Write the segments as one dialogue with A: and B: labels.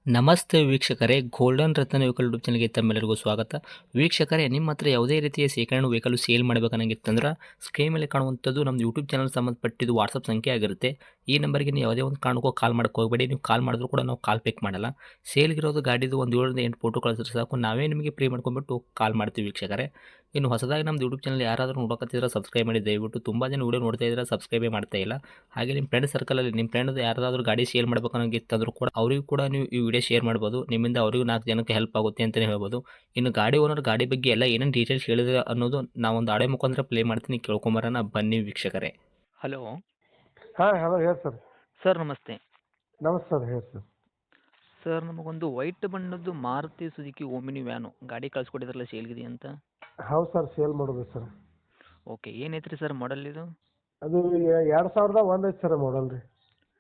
A: ನಮಸ್ತೆ ವೀಕ್ಷಕರೇ, ಗೋಲ್ಡನ್ ರತ್ನ vehicle YouTube ಚಾನಲ್ಗೆ ತಮ್ಮೆಲ್ಲರಿಗೂ ಸ್ವಾಗತ. ವೀಕ್ಷಕರೇ, ನಿಮ್ಮ ಹತ್ರ ಯಾವುದೇ ರೀತಿಯ ಶೇಖರಣೆ ವೆಹಿಕಲ್ ಸೇಲ್ ಮಾಡಬೇಕನ್ನಂಗಿತ್ತಂದ್ರೆ ಸ್ಕ್ರೀನ್ ಮೇಲೆ ಕಾಣುವಂಥದ್ದು ನಮ್ಮ ಯೂಟ್ಯೂಬ್ ಚಾನಲ್ ಸಂಬಂಧಪಟ್ಟಿದ್ದು ವಾಟ್ಸಪ್ ಸಂಖ್ಯೆ ಆಗಿರುತ್ತೆ. ಈ ನಂಬರ್ಗೆ ನೀವು ಯಾವುದೇ ಒಂದು ಕಾರಣಕ್ಕೂ ಕಾಲ್ ಮಾಡೋಕ್ಕೆ ಹೋಗಬೇಡಿ. ನೀವು ಕಾಲ್ ಮಾಡಿದ್ರು ಕೂಡ ನಾವು ಕಾಲ್ ಪಿಕ್ ಮಾಡಲ್ಲ. ಸೇಲ್ಗಿರೋದು ಗಾಡಿದು ಒಂದು 7ರಿಂದ 8 ಫೋಟೋ ಕಳಿಸಿದ್ರೆ ಸಾಕು, ನಾವೇ ನಿಮಗೆ ಪ್ರೀ ಮಾಡ್ಕೊಂಡ್ಬಿಟ್ಟು ಕಾಲ್ ಮಾಡ್ತೀವಿ ವೀಕ್ಷಕರೇ. ಇನ್ನು ಹೊಸದಾಗಿ ನಮ್ಮದು ಯೂಟ್ಯೂಬ್ ಚಾನಲ್ ಯಾರಾದರೂ ನೋಡೋಕತ್ತಿದ್ರೆ ಸಬ್ಸ್ಕ್ರೈಬ್ ಮಾಡಿ ದಯವಿಟ್ಟು. ತುಂಬ ಜನ ವೀಡಿಯೋ ನೋಡ್ತಾ ಇದ್ದಾರೆ, ಸಬ್ಸ್ಕ್ರೈಬೇ ಮಾಡ್ತಾ ಇಲ್ಲ. ಹಾಗೆ ನಿಮ್ಮ ಫ್ರೆಂಡ್ ಸರ್ಕಲಲ್ಲಿ ನಿಮ್ಮ ಫ್ರೆಂಡ್ ಯಾರಾದರೂ ಗಾಡಿ ಸೇಲ್ ಮಾಡಬೇಕನ್ನೋಂಗಿತ್ತಂದ್ರೂ ಕೂಡ ಅವರಿಗೂ ಕೂಡ ನೀವು ಈ ವಿಡಿಯೋ ಶೇರ್ ಮಾಡ್ಬೋದು. ನಿಮ್ಮಿಂದ ಅವರಿಗೂ 4 ಜನಕ್ಕೆ ಹೆಲ್ಪ್ ಆಗುತ್ತೆ ಅಂತಲೇ ಹೇಳ್ಬೋದು. ಇನ್ನು ಗಾಡಿ ಓನರ್ ಗಾಡಿ ಬಗ್ಗೆ ಎಲ್ಲ ಏನೇನು ಡೀಟೇಲ್ಸ್ ಹೇಳಿದ್ರೆ ಅನ್ನೋದು ನಾವೊಂದು ಆಡಿಯೋ ಮುಖಾಂತರ ಪ್ಲೇ ಮಾಡ್ತೀನಿ, ಕೇಳ್ಕೊಂಬರೋಣ ಬನ್ನಿ ವೀಕ್ಷಕರೇ. ಹಲೋ
B: ಹಾಂ ಹಲೋ ಹೇಳಿ ಸರ್.
A: ಸರ್, ನಮಸ್ತೆ.
B: ನಮಸ್ತೆ ಸರ್, ಹೇಳಿ ಸರ್.
A: ಸರ್, ನಮಗೊಂದು ವೈಟ್ ಬಣ್ಣದ್ದು ಮಾರುತಿ ಸುಜುಕಿ ಓಮಿನಿ ವ್ಯಾನು ಗಾಡಿ ಕಳ್ಸಿಕೊಟ್ಟಿದ್ರಲ್ಲ ಸೇಲ್ಗಿದೆ ಅಂತ.
B: ಹೌದು ಸರ್, ಸೇಲ್ ಮಾಡೋದು ಸರ್.
A: ಓಕೆ, ಏನೈತ್ರಿ ಸರ್ ಮಾಡಲ್ ಇದು?
B: ಅದು 2001 ಐತೆ ಸರ್ ಮಾಡಲ್ ರೀ.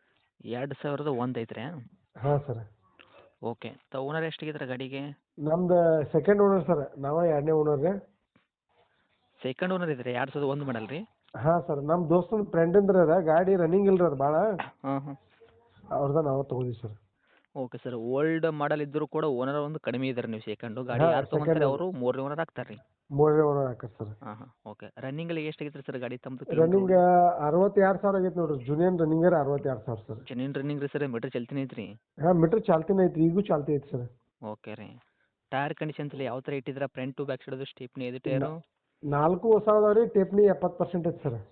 A: 2001 ಐತ್ರಿ?
B: ಹಾಂ ಸರ್.
A: ಓಕೆ, ಓನರ್ ಎಷ್ಟಾಗಿದ್ರೆ ಗಾಡಿಗೆ?
B: ನಮ್ದು ಸೆಕೆಂಡ್ ಓನರ್ ಸರ್, ನಾವೇ 2ನೇ ಓನರ್ ರೀ.
A: ಸೆಕೆಂಡ್ ಓನರ್ ಇದ್ರಿ, 2001 ಮಾಡಲ್ ರೀ?
B: ಹಾಂ ಸರ್, ನಮ್ಮ ದೋಸ್ತನ ಫ್ರೆಂಡಿಂದ್ರ ಅದ ಗಾಡಿ ರನ್ನಿಂಗ್ ಇಲ್ರಿ ಅದು ಭಾಳ.
A: ಹಾಂ ಹಾಂ.
B: ಅವ್ರದ್ದು ನಾವು ತೊಗೊಂಡಿವಿ sir.
A: Okay sir, old model ಇದ್ದರೂ ಕೂಡ ಓನರ್ ಒಂದು ಕಡಿಮೆ ಇದ್ದಾರೆ. ನೀವು ಸೆಕೆಂಡು ಗಾಡಿ
B: ಹಾಂ,
A: ಯಾರು ತೊಗೊಂತಾರೆ
B: second
A: ಅವರು 3ನೇ ಓನರ್ ಆಗ್ತಾರೆ ರೀ?
B: 3ನೇ ಓನರ್ ಹಾಕರ್ ಸರ್.
A: ಹಾಂ ಹಾಂ. ಓಕೆ, ರನ್ನಿಂಗಲ್ಲಿ ಎಷ್ಟಾಗಿತ್ತು ಸರ್ ಗಾಡಿ ತಮ್ಮದು?
B: ರನ್ನಿಂಗ್ 62,000 ಆಗೈತೆ ನೋಡ್ರಿ. ಜೂನಿಯರ್ ರನ್ನಿಂಗರ್ 62,000 ಸರ್.
A: ಚೆನ್ನಿನ ರನ್ನಿಂಗ್ ರೀ ಸರ್, ಮೀಟರ್ ಚಲ್ತಿನ ಐತ್ರಿ?
B: ಹಾಂ, ಮೀಟ್ರ್ ಚಾಲ್ತಿನ ಐತ್ರಿ, ಈಗೂ ಚಾಲ್ತಿ ಐತಿ ಸರ್.
A: ಓಕೆ ರೀ. ಟೈರ್ ಕಂಡೀಷನ್ಸ್ ಎಲ್ಲ ಯಾವ ಥರ ಇಟ್ಟಿದ್ದೀರಾ? ಫ್ರಂಟ್ ಟು ಬ್ಯಾಕ್ ಸೈಡದು ಸ್ಟೇಪ್ನಿ ಇದು ಟೈರು?
B: 4 ಹೊಸ ಅದಾವ ರೀ, ಟೇಪ್ನಿ 70% ಐತೆ ಸರ್.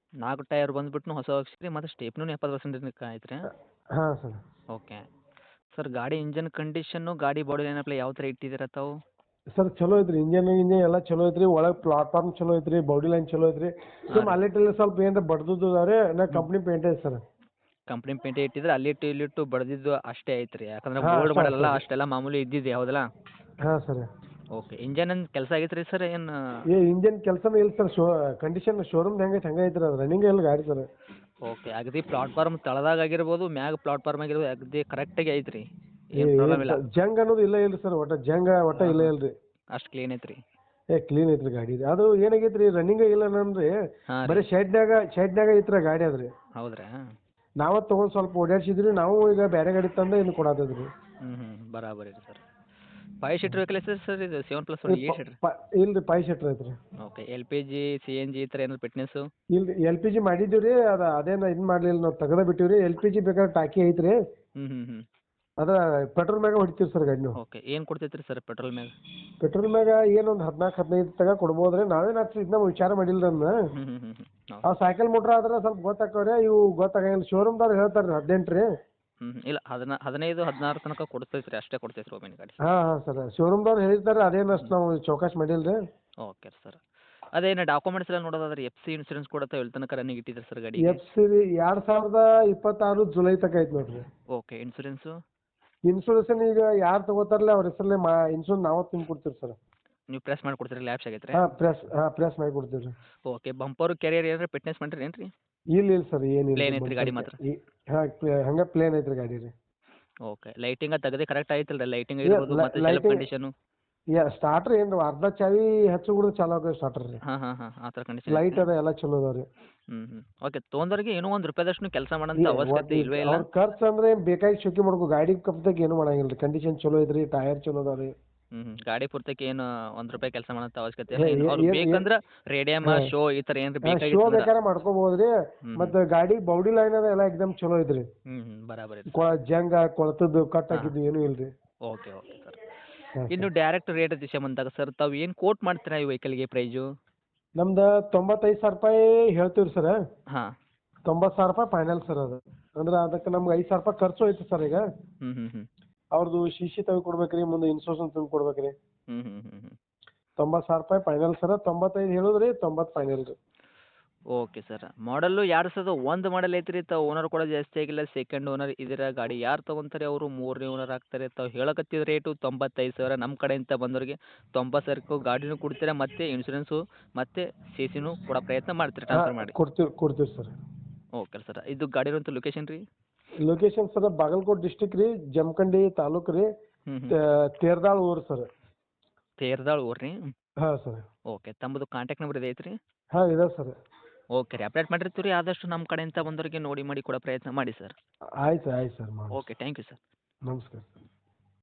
A: 4 ಟೈರ್ ಬಂದುಬಿಟ್ಟು ಹೊಸ ಹಾಕ್ಸಿರಿ, ಮತ್ತು ಸ್ಟೇಪ್ನೂ 70% ಐತ್ರಿ?
B: ಹಾಂ ಸರ್.
A: ಓಕೆ ಸರ್, ಗಾಡಿ ಇಂಜನ್ ಕಂಡೀಷನ್ನು ಗಾಡಿ ಬಾಡಿ ಲೈನಪ್ಲ ಯಾವ ಥರ ಇಟ್ಟಿದ್ದೀರಾ ತಾವು?
B: ಸರ್ ಚಲೋ ಐತ್ರಿ, ಇಂಜನ್ ಎಲ್ಲ ಚಲೋ ಐತ್ರಿ. ಒಳಗೆ ಪ್ಲಾಟ್ಫಾರ್ಮ್ ಚಲೋ ಐತ್ರಿ, ಬಾಡಿ ಲೈನ್ ಚಲೋ ಐತ್ರಿ. ಸುಮ್ ಅಲ್ಲಿಟ್ಟಲ್ಲಿ ಸ್ವಲ್ಪ ಏನಾರ ಬಡ್ದುದ್ದು ಅದಾವ್ರಿ, ನಾ ಕಂಪ್ನಿ ಪೇಂಟ್ ಐತೆ ಸರ್.
A: ಕಂಪ್ನಿ ಪೇಂಟೇ ಇಟ್ಟಿದ್ರೆ ಅಲ್ಲಿಟ್ಟು ಇಲ್ಲಿಟ್ಟು ಬಡ್ದಿದ್ದು ಅಷ್ಟೇ ಐತ್ರಿ? ಯಾಕಂದ್ರೆ
B: ಹಾಂ,
A: ಗೋಲ್ಡ್
B: ಅಷ್ಟೇ
A: ಮಾಡಲ್ಲ,
B: ಅಷ್ಟೇ.
A: ಅಷ್ಟೆಲ್ಲ ಮಾಮೂಲಿ ಇದ್ದಿದ್ದು ಹೌದಲ್ಲ?
B: ಹಾಂ ಸರ್.
A: ಓಕೆ, ಇಂಜನ್ ಏನು ಕೆಲಸ ಆಗೈತೆ ರೀ ಸರ್ ಏನು?
B: ಇಂಜನ್ ಕೆಲಸನೇ ಇಲ್ಲ ಸರ್. ಕಂಡೀಷನ್ ಶೋರೂಮ್ ಹೆಂಗೈತೆ ಹಂಗೆ ಐತ್ರಿ, ಅದು ರನ್ನಿಂಗ್ ಇಲ್ಲ ಗಾಡಿ ಸರ್.
A: ಓಕೆ, ಅಗದಿ ಪ್ಲಾಟ್ಫಾರ್ಮ್ ತಳದಾಗ ಆಗಿರ್ಬೋದು, ಮ್ಯಾಗ ಪ್ಲಾಟ್ಫಾರ್ಮ್ ಆಗಿರ್ಬೋದು, ಅಗದಿ ಕರೆಕ್ಟಾಗಿ ಐತ್ರಿ? ಏನು ಪ್ರಾಬ್ಲಮ್ ಇಲ್ಲ?
B: ಜಂಗ್ ಅನ್ನೋದು ಇಲ್ಲ ಇಲ್ರಿ ಸರ್, ಒಟ್ಟ ಇಲ್ಲ ಇಲ್ರಿ.
A: ಅಷ್ಟು ಕ್ಲೀನ್ ಐತ್ರಿ?
B: ಕ್ಲೀನ್ ಐತ್ರಿ ಗಾಡಿ. ಅದು ಏನಾಗೈತ್ರಿ, ರನ್ನಿಂಗ್ ಇಲ್ಲ ನಮ್ರಿ,
A: ಹಾಂ
B: ಬರೀ
A: ರೀ.
B: ಶೆಡ್ನಾಗ ಐತ್ರಿ ಗಾಡಿ ಅದ್ರಿ.
A: ಹೌದ್ರಾ?
B: ನಾವ ತೊಗೊಂಡು ಸ್ವಲ್ಪ ಓಡಾಡ್ಸಿದ್ರಿ, ನಾವು ಈಗ ಬೇರೆ ಗಾಡಿ ತಂದು ಇನ್ನು ಕೊಡತ್ತದ್ರಿ.
A: ಹ್ಞೂ ಬರಾಬರಿ ರೀ ಸರ್. 5 ಸೀಟ್ರ್ ವೆಹಿಕಲ್ ಸರ್ ಇದು? 7+1 8 ಸೀಟ್ರ್?
B: ಇಲ್ರಿ 5 ಸೀಟ್ರ್ ಐತ್ರಿ.
A: ಓಕೆ, LPG CNG ಈ ಥರ ಏನಾದ್ರು ಫಿಟ್ನೆಸ್ಸು?
B: ಇಲ್ರಿ, LPG ಮಾಡಿದ್ದೀವಿ ರೀ, ಅದೇನು ಇದು ಮಾಡಲಿಲ್ಲ, ನಾವು ತೆಗೆದ ಬಿಟ್ಟಿವಿ ರೀ. LPG ಬೇಕಾದ್ರೆ ಟಾಕಿ ಐತ್ರಿ,
A: ಹ್ಞೂ
B: ಅದ ಪೆಟ್ರೋಲ್ ಮ್ಯಾಗ ಹೊಡಿತೀವಿ ಸರ್ ಗಾಡಿ ನಾವು.
A: ಓಕೆ, ಏನು ಕೊಡ್ತೈತ್ರಿ ಸರ್ ಪೆಟ್ರೋಲ್ ಮ್ಯಾಗ?
B: ಪೆಟ್ರೋಲ್ ಮ್ಯಾಗ ಏನೊಂದು 14-15 ತಗ ಕೊಡ್ಬೋದು ರೀ. ನಾವೇನು ಅಷ್ಟು ಇದನ್ನ ವಿಚಾರ ಮಾಡಿಲ್ಲ ಅದನ್ನ.
A: ಹ್ಞೂ
B: ಅವು ಸೈಕಲ್ ಮೋಟ್ರ್ ಆದ್ರೆ ಸ್ವಲ್ಪ ಗೊತ್ತಾಕವ್ರಿ, ಇವು ಗೊತ್ತಾಗಂಗಿಲ್ಲ. ಶೋರೂಮ್ದವ್ರು ಹೇಳ್ತಾರೆ ರೀ 18 ರೀ.
A: ಇಲ್ಲ 15 16 ತನಕ ಕೊಡ್ತೈತ್ರಿ, ಅಷ್ಟೇ ಕೊಡ್ತೈತ್ರಿ ಒಮ್ಮೆನ್ ಗಾಡಿ.
B: ಹಾಂ ಸರ್, ಶೋರೂಮ್ದವ್ರು ಹೇಳಿರ್ತಾರೆ, ಅದೇನು ಅಷ್ಟು ನಾವು ಚೌಕಾಶ್ ಮಾಡಿಲ್ಲ ರೀ.
A: ಓಕೆ ಸರ್, ಅದೇನು ಡಾಕ್ಯುಮೆಂಟ್ಸ್ ಎಲ್ಲ ನೋಡೋದಾದ್ರೆ FC ಇನ್ಸೂರೆನ್ಸ್ ಕೂಡ ತಾವು ಎಲ್ಲಿ ತನಕ ರನ್ನಿಂಗ್ ಇಟ್ಟಿದ್ದೀರಿ ಸರ್ ಗಾಡಿ?
B: FC ರೀ 2026 ಜುಲೈ ತನಕ ಐತೆ ನೋಡ್ರಿ.
A: Okay, insurance?
B: ಇನ್ಸೂರೆನ್ಸ್ ಈಗ ಯಾರು ತಗೋತಾರಲ್ಲ ಅವ್ರ ಹೆಸರಲ್ಲೇ ಇನ್ಸೂರೆನ್ಸ್ ನಾವು ತುಂಬ ಕೊಡ್ತೀವಿ ಸರ್.
A: ನೀವು ಪ್ರೆಸ್ ಮಾಡಿ ಕೊಡ್ತೀರಿ, ಲ್ಯಾಬ್ಸ್ ಆಗೈತ್ರಿ?
B: ಪ್ರೆಸ್ ಮಾಡಿ ಕೊಡ್ತೀವಿ ರೀ.
A: ಓಕೆ, ಬಂಪರು ಕೆರಿಯರ್ ಏನಾರ ಫಿಟ್ನೆಸ್ ಮಾಡಿರಿ ಏನು ರೀ?
B: ಇಲ್ಲ ಸರ್, ಏನಿಲ್ಲ.
A: ಪ್ಲೇನ್ ಐತ್ರಿ ಗಾಡಿ ಮಾತ್ರ?
B: ಹಾಂ, ಹಂಗೆ ಪ್ಲೇನ್ ಐತ್ರಿ ಗಾಡಿ ರೀ.
A: ಓಕೆ, ಲೈಟಿಂಗ್ ತೆಗೆದೇ ಕರೆಕ್ಟ್ ಆಯ್ತಲ್ಲ ರೀ? ಲೈಟಿಂಗ್ ಇರ್ಬೋದು ಮತ್ತು ಸೆಲ್ಫ್ ಕಂಡೀಷನು?
B: ಸ್ಟಾರ್ಟ್ರ್ ಏನು ಅರ್ಧ ಚಾವಿ ಹಚ್ಚು ಕೂಡ ಚಾಲು ಆಗೋದು ಸ್ಟಾರ್ಟರ್ ರೀ.
A: ಹಾಂ ಆ ಥರ ಕಂಡೀಷನ್
B: ಲೈಟ್ ಅದ ಎಲ್ಲ ಚಲೋ ಅದಾವ ರೀ.
A: ಓಕೆ, ತೊಗೊಂಡವ್ರಿಗೆ ಏನೋ ಒಂದು ರೂಪಾಯಿದಷ್ಟು ಕೆಲಸ ಮಾಡೋಂಥ ಅವಶ್ಯಕತೆ ಇಲ್ವೇ ಇಲ್ಲ?
B: ಅವ್ರ ಖರ್ಚು ಅಂದ್ರೆ ಬೇಕಾಗಿ ಶೋಕಿ ಮಾಡ್ಕೊ, ಗಾಡಿ ಕಪ್ದಾಗ ಏನು ಮಾಡಂಗಿಲ್ಲ ರೀ. ಕಂಡೀಷನ್ ಚಲೋ ಐತ್ರಿ, ಟೈರ್ ಚಲೋ ಅದಾವ ರೀ.
A: ಗಾಡಿ ಪೂರ್ತಕ್ಕೆ ಏನು ಒಂದು ರೂಪಾಯಿ ಕೆಲಸ ಮಾಡೋಂಥ ಅವಶ್ಯಕತೆ ಇಲ್ಲ. ಅವ್ರು ಬೇಕಂದ್ರೆ ರೇಡಿಯಮ್ ಶೋ ಈ ಥರ ಏನಾರ
B: ಶೋ
A: ಬೇಕಾಗಿತ್ತು?
B: ಬೇಕಾದ್ರೆ ಮಾಡ್ಕೋಬಹುದು ರೀ. ಮತ್ತು ಗಾಡಿ ಬಾಡಿ ಲೈನ್ ಅದ ಎಲ್ಲ ಎಕ್ದಮ್ ಚಲೋ ಐತ್ರಿ.
A: ಬರಾಬರಿ.
B: ಜಂಗ ಕೊಳತದ್ದು ಕಟ್ ಹಾಕಿದ್ದು ಏನೂ ಇಲ್ರಿ.
A: Okay sir. ಇನ್ನು ಡೈರೆಕ್ಟ್ ರೇಟ್ ವಿಷಯ ಬಂದಾಗ ಸರ್, ತಾವು ಏನು ಕೋಟ್ ಮಾಡ್ತೀರಾ ಈ ವೆಹಿಕಲ್ಗೆ ಪ್ರೈಸು?
B: ನಮ್ದು 95,000 ರೂಪಾಯಿ ಹೇಳ್ತೀವಿ ಸರ್.
A: ಹಾಂ,
B: 90,000 ರೂಪಾಯಿ ಫೈನಲ್ ಸರ್. ಅದು ಅಂದ್ರೆ ಅದಕ್ಕೆ ನಮ್ಗೆ 5,000 ರೂಪಾಯಿ ಖರ್ಚು ಐತೆ ಸರ್. ಈಗ ಅವ್ರದ್ದು CC ತೆಗೆದು ಕೊಡ್ಬೇಕು ರೀ, ಮುಂದೆ ಇನ್ಸೂರೆನ್ಸ್ ತಂದು ಕೊಡ್ಬೇಕು ರೀ. 90,000 ರೂಪಾಯಿ ಫೈನಲ್ ಸರ್. 95 ಹೇಳಿದ್ರಿ, 90 ಫೈನಲ್ ರೀ.
A: Okay sir. ಮಾಡಲ್ಲು 2001 ಮಾಡಲ್ ಐತ್ರಿ. ತಾವು ಓನರ್ ಕೂಡ ಜಾಸ್ತಿ ಆಗಿಲ್ಲ, ಸೆಕೆಂಡ್ ಓನರ್ ಇದರ ಗಾಡಿ ಯಾರು ತೊಗೊಂತಾರೆ ಅವರು 3ನೇ ಓನರ್ ಆಗ್ತಾರೆ. ತಾವು ಹೇಳಕತ್ತಿದ ರೇಟು 95,000. ನಮ್ಮ ಕಡೆಯಿಂದ ಬಂದವರಿಗೆ 90,000ಕ್ಕೂ ಗಾಡಿನೂ ಕೊಡ್ತೀರಾ, ಮತ್ತು ಇನ್ಶೂರೆನ್ಸು ಮತ್ತು CCನೂ ಕೊಡೋ ಪ್ರಯತ್ನ ಮಾಡ್ತೀರಿ ಟ್ರಾನ್ಸ್ಫರ್ ಮಾಡಿ?
B: ಕೊಡ್ತೀವಿ ಸರ್.
A: Okay sir. ಇದು ಗಾಡಿರೋಂಥ ಲೊಕೇಶನ್ ರೀ?
B: ಲೊಕೇಶನ್ ಸರ್ ಬಾಗಲಕೋಟೆ ಡಿಸ್ಟಿಕ್ ರೀ, ಜಮಖಂಡಿ ತಾಲೂಕು ರೀ, ತೇರ್ದಾಳ್ ಊರು ಸರ್.
A: ತೇರ್ದಾಳ್ ಊರು ರೀ?
B: ಹಾಂ ಸರ್.
A: ಓಕೆ, ತಮ್ಮದು ಕಾಂಟ್ಯಾಕ್ಟ್ ನಂಬರ್ ಇದೆ ಐತ್ರಿ?
B: ಹಾಂ ಇದೆ ಸರ್.
A: ಓಕೆ ರೀ, ಅಪ್ಡೇಟ್ ಮಾಡಿರ್ತೀವಿ ರೀ. ಆದಷ್ಟು ನಮ್ಮ ಕಡೆಯಿಂದ ಬಂದವರಿಗೆ ನೋಡಿ ಮಾಡಿ ಕೊಡೋ ಪ್ರಯತ್ನ ಮಾಡಿ ಸರ್.
B: ಆಯ್ತು ಸರ್, ಮಾಡಿ.
A: Okay, thank you sir.
B: ನಮಸ್ಕಾರ.